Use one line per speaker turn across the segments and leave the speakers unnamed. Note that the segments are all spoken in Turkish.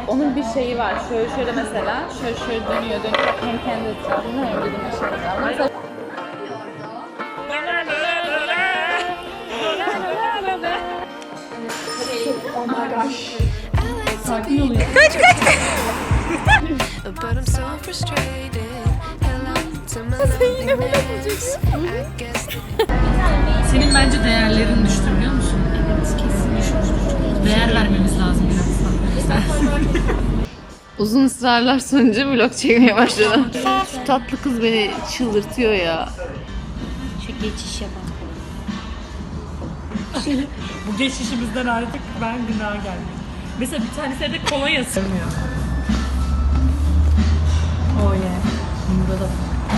Onun bir şeyi var. Şöyle mesela. Şöyle dönüyor. Bak hem kendi etrafında hem bizim etrafında. Mesela
oh my gosh.
sakin oluyor.
Kaç.
Senin bence değerlerin düştü biliyor musun? Evet, kesin düşmüş. Değer vermemiz lazım biraz daha. Uzun ısrarlar sonucu vlog çekmeye başladım. Şu tatlı kız beni çıldırtıyor ya.
Şu geçişe bak.
Bu geçişimizden artık ben günaha geldim. Mesela bir tanesi de kolonya sığmıyor. Oh yeah. Burada da.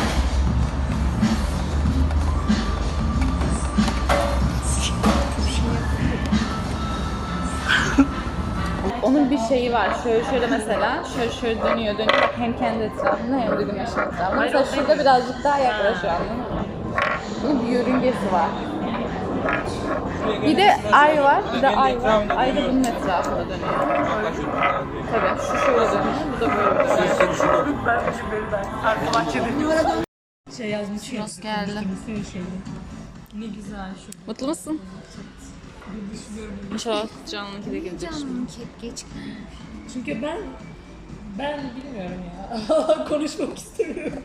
Onun bir şeyi var. Şöyle mesela. Şöyle dönüyor. Bak hem kendi etrafında hem bizim etrafında. Mesela şurada birazcık daha yaklaşıyor, anladın mı? Bunun bir yörüngesi var. Bir de ay var. Bir de ay var. Ay da bunun etrafında dönüyor. Tabii. Şu şöyle dönüyor. Bu da böyle dönüyor.
Arka bahçede. Şey yazmış ya.
Nasıl geldi?
Ne güzel şu.
Mutlu musun? İnşallah Can'ınki de gelecek şimdi.
Geç.
Çünkü ben bilmiyorum ya. Konuşmak istemiyorum.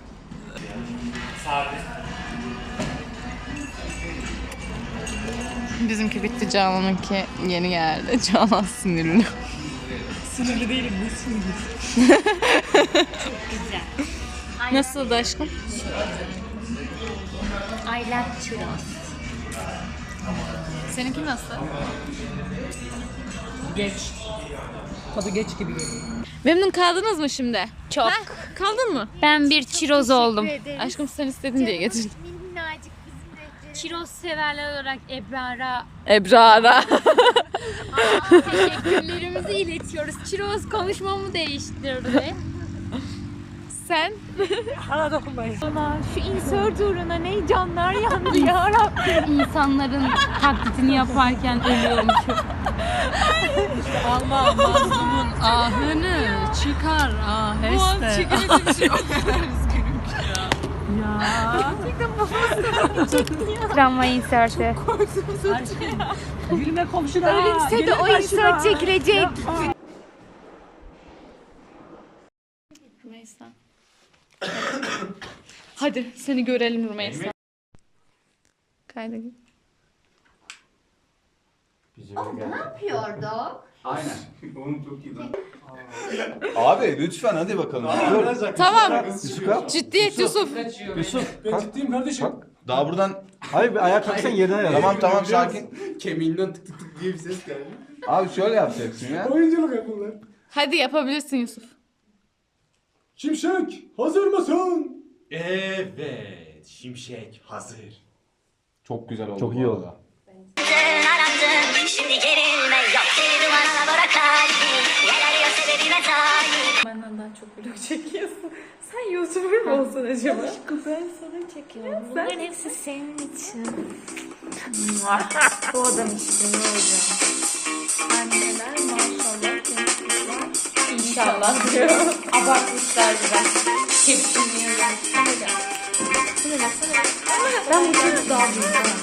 Bizimki bitti, Canan'ınki yeni geldi. Canan sinirli.
Sinirli değilim, ne sinirli?
Güzel.
Nasıldı aşkım?
I like churros.
Seninki nasıl?
Geç. Tadı geç gibi geliyor.
Memnun kaldınız mı şimdi?
Çok.
Kaldın mı?
Ben bir churros oldum.
Aşkım sen istedin diye getirdim.
Minnacık bizim de. Churros severler olarak Ebrar'a
Ebrar'a.
teşekkürlerimizi iletiyoruz. Churros konuşmamı değiştirdi.
Sen?
Bana dokunmayın.
Şu insert uğruna ne canlar yandı ya Rabbim. İnsanların taklitini yaparken ölüyormuşum.
Allah mazlumun ahını çıkar aheste.
Travma inserti.
Gülme komşuna.
Ölümse de o insert çekilecek.
Rümeysa. Hadi seni görelim Rümeysa. Kayda git.
Ne
yapıyorduk?
Aynen. Onu çok iyi. Abi lütfen hadi bakalım.
Tamam.
Yusuf kalk.
Ciddiyet Yusuf.
Yusuf
Ben ciddiyim kardeşim.
kalk. Daha buradan...
Hayır bir ayağa kalksan yerine yaz.
Tamam sakin.
Kemiğinden tık tık tık diye bir ses geldi.
Abi şöyle yapacaksın ya.
Oyunculuk yapınlar.
Hadi yapabilirsin Yusuf.
Şimşek hazır mısın?
Evet. Şimşek hazır.
Çok güzel oldu.
Çok iyi oldu.
Şimdi gerilme yok seni dumana bırak kalbi. Yer arıyor sebebime talip.
Benden daha çok vlog çekiyorsun. Sen YouTuber mı olsan acaba?
Ben sana çekiyorum. Bunların hepsi senin için. Bu adam işte ne olacak? Anneler maşallah gençlikler.
İnşallah diyor.
Abartmışlar biraz. Tepkini yazın. Ben bu çocuğu daha büyüdüm.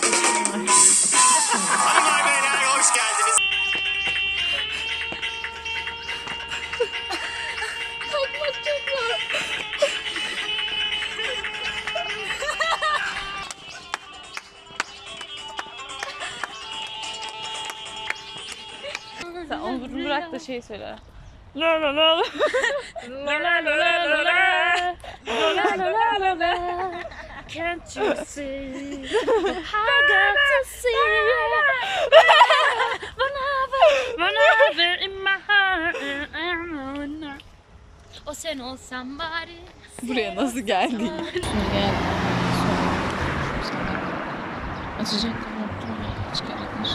Hoş geldiniz.
Sen onu bırak da şey söyle.
La la la la. La la la la la la. La la la la la.
Can't you see? I got to see. Whenever in my heart. O sen olsan bari.
Buraya nasıl geldin? Şimdi gel. Açacak çıkartmış.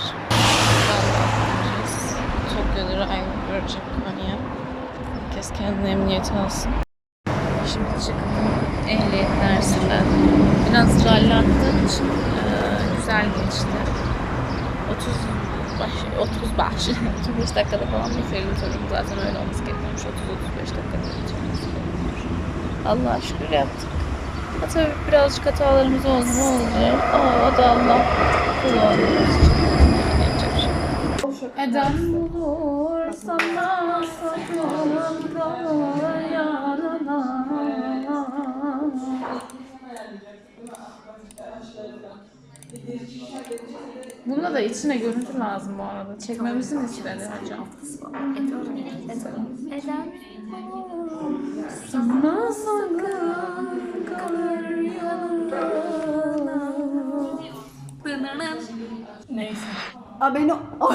Tokyo'da aynı görecek Konya. Herkes kendine emniyeti alsın. Şimdi çıktım ehliyet dersinden. Biraz rallattığım için güzel geçti. 35 dakikada falan bitirdim sorumu. Zaten öyle olması gerekiyormuş. 30-35 dakikada bitirmesi gerekiyormuş. Allah'a şükür yaptık. Ha, tabii birazcık hatalarımız oldu. Ne olacak? O da Allah kullanıyoruz. Yapacak bir şey yok. Eden bulur sana saklananda yarına. Bunda da içine görüntü lazım bu arada. Çekmemizi mi istedi hocam?
Eden
Sana sakın kalır yanında. Neyse.
Abone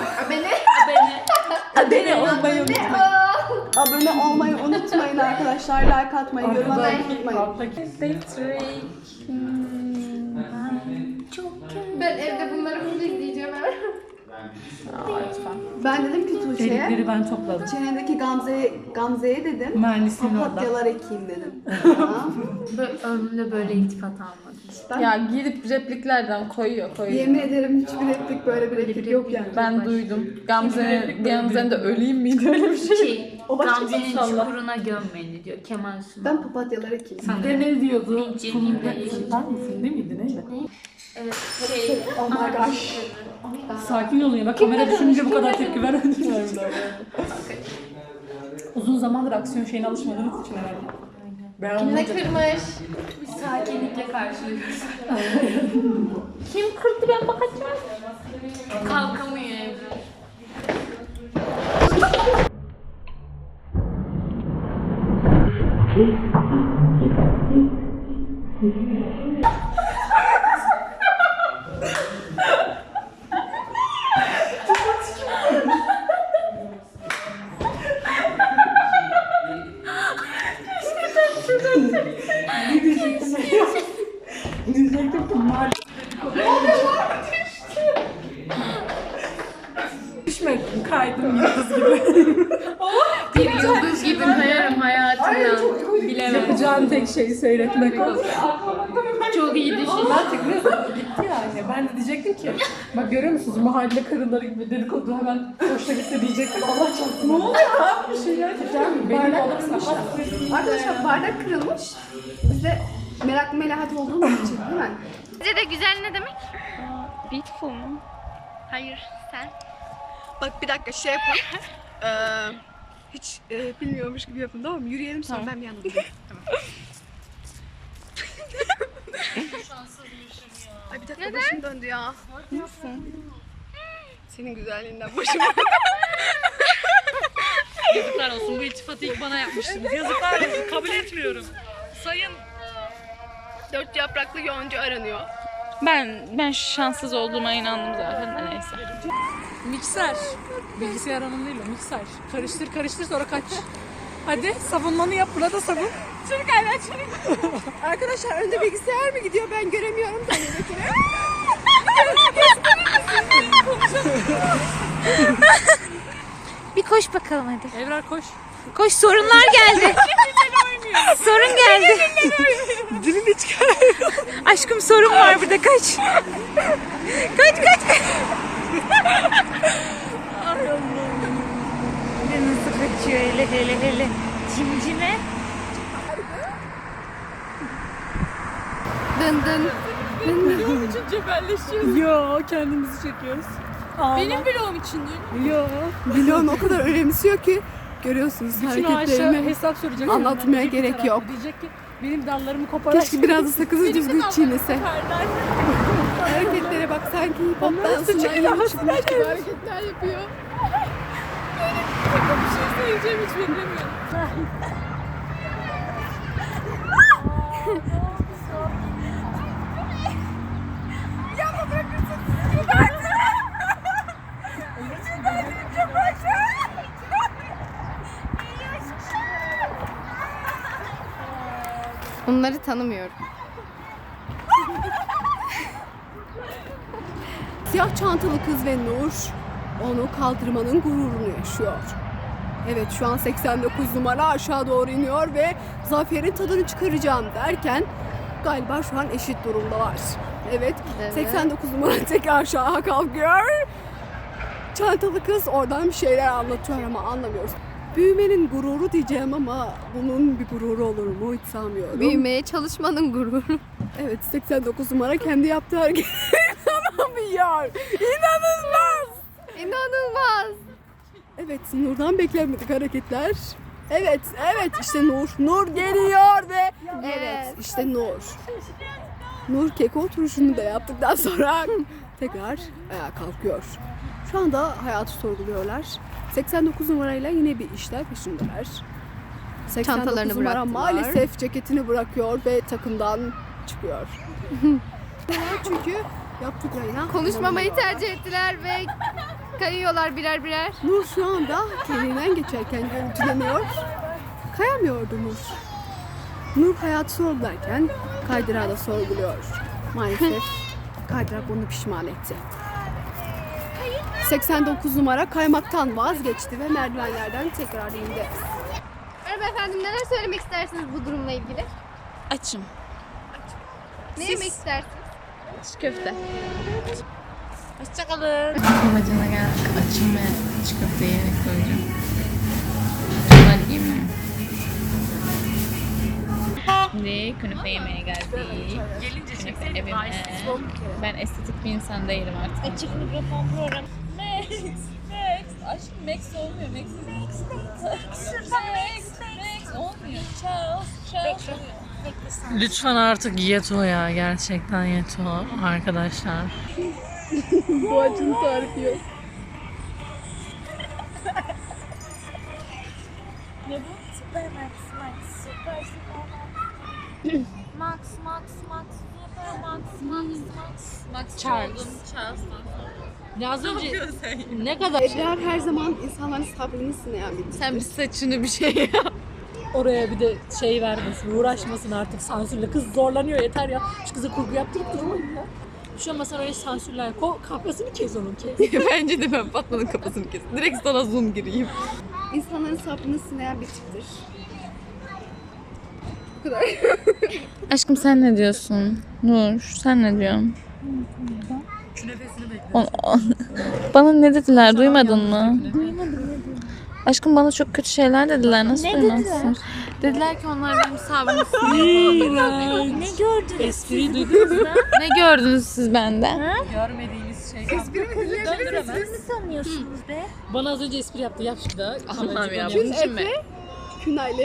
olmayı unutmayın arkadaşlar. Like atmayı, yorum atmayı unutmayın.
Ben evde bunları full izleyeceğim.
Ben dedim ki Tuğçe'ye,
Delikleri ben topladım.
çenedeki Gamze'ye dedim,
Mühendisliğin orada.
papatyalar ekeyim dedim.
ömrümde böyle iltifat almadım.
Ya gidip repliklerden koyuyor.
Yemin ederim hiçbir replik böyle bir replik yok yani.
Ben duydum. Gamze'nin de öleyim miydi öyle bir şey?
O başka
Gamze'nin
inşallah.
çukuruna gömmeni diyor Kemal Sunal.
Ben papatyalar ekeyim.
De ne diyordu?
İncirliğimle
Ben misin değil miydi neydi?
Evet,
Oh my gosh.
Sakin olun ya. Bak kamera düşününce bu kadar tepki vermedim. Uzun zamandır aksiyon şeyine alışmadığınız için herhalde.
Ne kırmış?
bir sakinlikle karşılıyoruz.
Kim kırdı ben bakacağım.
Kalkamıyor evde.
Diyecektim ki mal. Düşmedim, kaydım yıldız gibi.
Bir yıldız gibi kayarım hayatımda.
Bilemem. Yapacağın tek şeyi seyretmek oldu.
Çok iyi düşün.
Artık gitti yani. Ben de diyecektim ki, bak görüyor musunuz mahalle karıları gibi dedikodu hemen hoşuna gitti diyecektim. Allah çarpsın. Ne oluyor abi? Bir şeyler diyeceğim. Benim oğlum
Arkadaşlar bardak kırılmış. Biz de meraklı melahat olduğumuz için değil mi?
Size de güzel ne demek? Beautiful mu? Hayır, sen.
Bak bir dakika şey yapın. Hiç bilmiyormuş gibi yapın tamam mı? Yürüyelim sonra ben bir yandan durayım. Ay bir dakika başım döndü ya. Nasılsın? Senin güzelliğinden başım döndü.
Yazıklar olsun, bu iltifatı ilk bana yapmıştınız. Yazıklar olsun, kabul etmiyorum. Sayın
4 yapraklı yonca aranıyor.
Ben şanssız olduğuma inandım zaten de neyse.
mikser. Bilgisayar hanım değil o, mikser. Karıştır sonra kaç. Hadi savunmanı yap, burada savun.
Çabuk aynen çabuk. Arkadaşlar önde bilgisayar mı gidiyor ben göremiyorum da önündekini.
Bir koş bakalım hadi.
Evrar koş.
Koş, sorunlar geldi. Sorun geldi.
Dilini çıkar.
Aşkım sorun var burada, kaç. Kaç. Ay Allah'ım. Nasıl kaçıyor hele. Cimcime.
Dın dın.
Yo, kendimizi çekiyoruz. Benim vlogum için değil. Yo.
Vlog'u o kadar önemsiyor ki görüyorsunuz
Bütün aşağı
hareketlerimi.
hesap soracak.
Anlatmaya
Diyecek
gerek
tarafı.
yok.
Diyecek ki benim dallarımı koparan.
Keşke biraz da sakızı düzgün çiğnese. Hareketlere bak sanki hip hop dansından yeni çıkmış gibi hareketler yapıyor.
Bir şey söyleyeceğim, hiç bilmiyorum.
Onları tanımıyorum.
Siyah çantalı kız ve Nur onu kaldırmanın gururunu yaşıyor. Evet şu an 89 numara aşağı doğru iniyor ve zaferin tadını çıkaracağım derken galiba şu an eşit durumdalar. Evet,
Evet.
89 numara tek aşağı kalkıyor. Çantalı kız oradan bir şeyler anlatıyor ama anlamıyoruz. Büyümenin gururu diyeceğim ama bunun bir gururu olur mu hiç sanmıyorum.
Büyümeye çalışmanın gururu.
Evet 89 numara kendi yaptığı hareketleri inanamıyor. İnanılmaz.
İnanılmaz.
Evet Nur'dan beklenmedik hareketler. Evet işte Nur. Nur geliyor ve evet işte Nur. Nur keko oturuşunu da yaptıktan sonra tekrar ayağa kalkıyor. Şu anda hayatı sorguluyorlar. 89 numarayla yine bir işler peşindeler. 89
Çantalarını
numara
bıraktılar.
maalesef ceketini bırakıyor ve takımdan çıkıyor. Çünkü yaptıklarına
Konuşmamayı
inanamıyorlar.
tercih ettiler ve kayıyorlar birer birer.
Nur şu anda kendinden geçerken görüntüleniyor. Kayamıyordu Nur. Nur hayatı sorgularken kaydırağı da sorguluyor. Maalesef kaydırak onu pişman etti. 89 numara kaymaktan vazgeçti ve merdivenlerden tekrar indi.
Merhaba efendim, neler söylemek istersiniz bu durumla ilgili?
Açım.
Ne yemek istersiniz?
Çiğ köfte. Hoşçakalın. Babacına geldik. Açım ve çiğ köfte yemek koyacağım. Bunlar iyi mi? Şimdi künefe yemeye geldik. Gelince çekelim. Evime. Ben estetik bir insan değilim artık. Açık mikrofon programı. Max. Aşkım Max olmuyor. Max olmuyor. Charles oluyor.
Lütfen artık Yeto ya. Gerçekten Yeto arkadaşlar.
Bu acının tarifi yok.
Ne bu? Super Max, Super Max, Super Max.
Charles. Ya az önce ne kadar
Ebrar her zaman insanların sabrını sınayan bir
Sen bir saçını bir şey yap.
oraya bir de şey vermesin, uğraşmasın artık sansürle. Kız zorlanıyor yeter ya. Şu kıza kurgu yaptırıp durmayın ya. Şu an mesela öyle sansürler. Kafasını kes onun kes.
Bence de ben Fatma'nın kafasını kes. Direkt sana zoom gireyim.
insanların sabrını sınayan bir tiptir.
Aşkım sen ne diyorsun? Nur sen ne diyorsun? Bana ne dediler duymadın mı? Aşkım bana çok kötü şeyler dediler. Nasıl duymazsın? Dediler ki onlar benim sabrımı sınıyor.
Ne gördün?
Espriyi duydunuz mu?
Ne gördünüz siz benden?
Görmediğiniz şey.
Ne sanıyorsunuz be?
Bana az önce espri yaptı. Yap şimdi daha.
Allah'ım ya.
Kün Efe, Künaylı.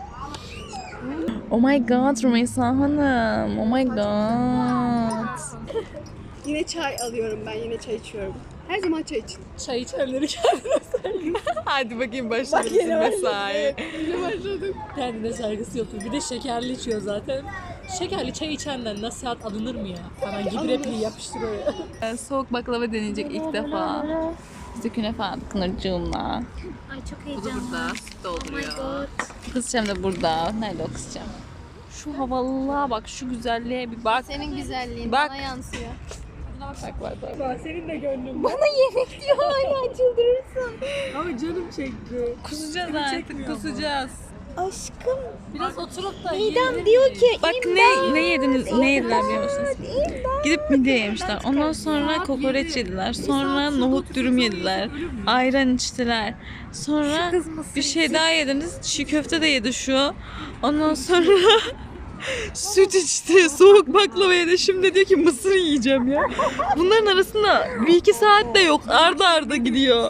Oh my god Rümeysa Hanım. Oh my god.
Yine çay alıyorum ben, yine çay içiyorum. Her zaman çay için.
Çay içenleri kendine saygı.
Hadi bakayım başladı mesai.
Yine başladık.
Kendine saygısı yoktur. Bir de şekerli içiyor zaten. Şekerli çay içenden nasihat alınır mı ya? Hemen gibi repliği yapıştırıyor ya.
Soğuk baklava deneyecek ilk defa.
İşte künefe aldık Nurcuğum'la.
Ay çok
Bu da
heyecanlı.
burada süt dolduruyor.
Kızcağım da burada. Nerede o kızcağım? Şu havalılığa bak, şu güzelliğe bir bak.
Senin güzelliğin
Bak.
bana yansıyor.
Bak senin de gönlün.
Bana yemek diyor hala çıldırırsın.
Ama canım çekti.
Kusacağız artık, kusacağız.
Aşkım.
Biraz oturup da
Midem diyor ki
Bak ne yediniz, ne yediler biliyor musunuz? Gidip midye yemişler. Ondan sonra kokoreç yediler. Sonra nohut dürüm yediler. Ayran içtiler. Sonra bir şey daha yediniz. Çiğ köfte de yedi şu. Ondan sonra süt içti. Soğuk baklava yedi. Şimdi diyor ki mısır yiyeceğim ya. Bunların arasında 1-2 saat de yok. Arda arda gidiyor.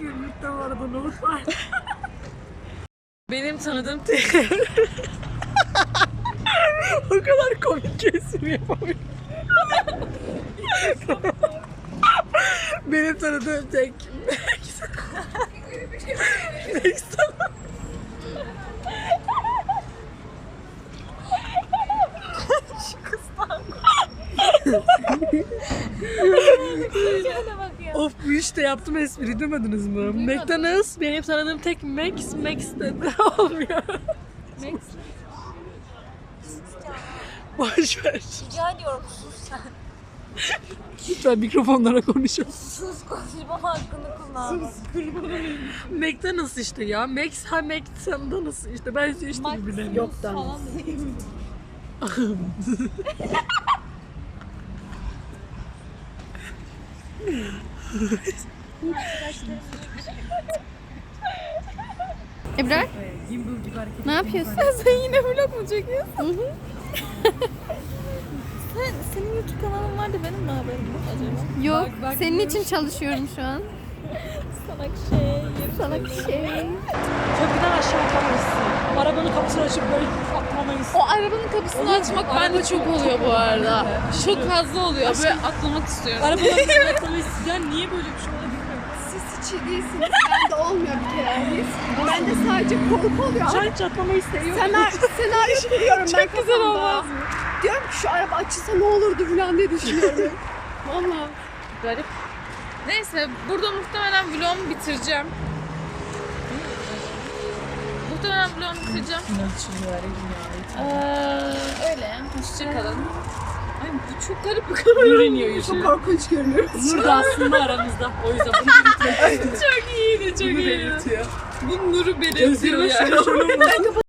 benim tanıdığım o kadar komik ki espri yapamıyorum. Benim tanıdığım tek Of bu işte yaptım espri demediniz mi? McDonald's benim tanıdığım tek Max de olmuyor. Max. Boş ver.
Rica ediyorum sus sen.
Lütfen mikrofonlara konuşalım.
Sus konuşma hakkını kullan.
McDonald's işte ya. Max ha McDonald's işte. Ben işte bilemiyorum. Yok
Ebrar? Ne yapıyorsun? Sen yine vlog mu çekiyorsun?
Senin YouTube kanalın var da benim mi haberim yok acaba?
Yok. Senin için çalışıyorum şu an. Salak şey.
Köprüden aşağı atlamayızsın. Arabanın kapısını açıp böyle atlamayız.
O arabanın kapısını açmak bende çok oluyor bu arada. Çok fazla oluyor. Böyle atlamak istiyorum.
Arabanın kapısını atlamayız. Ya niye böyle bir şey olabilir?
Siz hiç iyi değilsiniz. Bende olmuyor bir kere. Bende sadece korku oluyor.
Hiç atlamayı seviyorum.
Senaryo kuruyorum ben kafamda. Diyorum ki şu araba açılsa ne olurdu falan diye düşünüyorum. Vallahi.
Garip. Neyse burada muhtemelen vlogumu bitireceğim. Muhtemelen vlogumu bitireceğim. Öyle. Hoşçakalın. Ay bu çok garip bir kamera.
Nur iniyor yüzü.
Çok korkunç görünüyor.
Nur da aslında aramızda. O yüzden bunu
Çok iyiydi, çok iyiydi. Bu nuru belirtiyor
Gözlerime
yani.
şöyle şöyle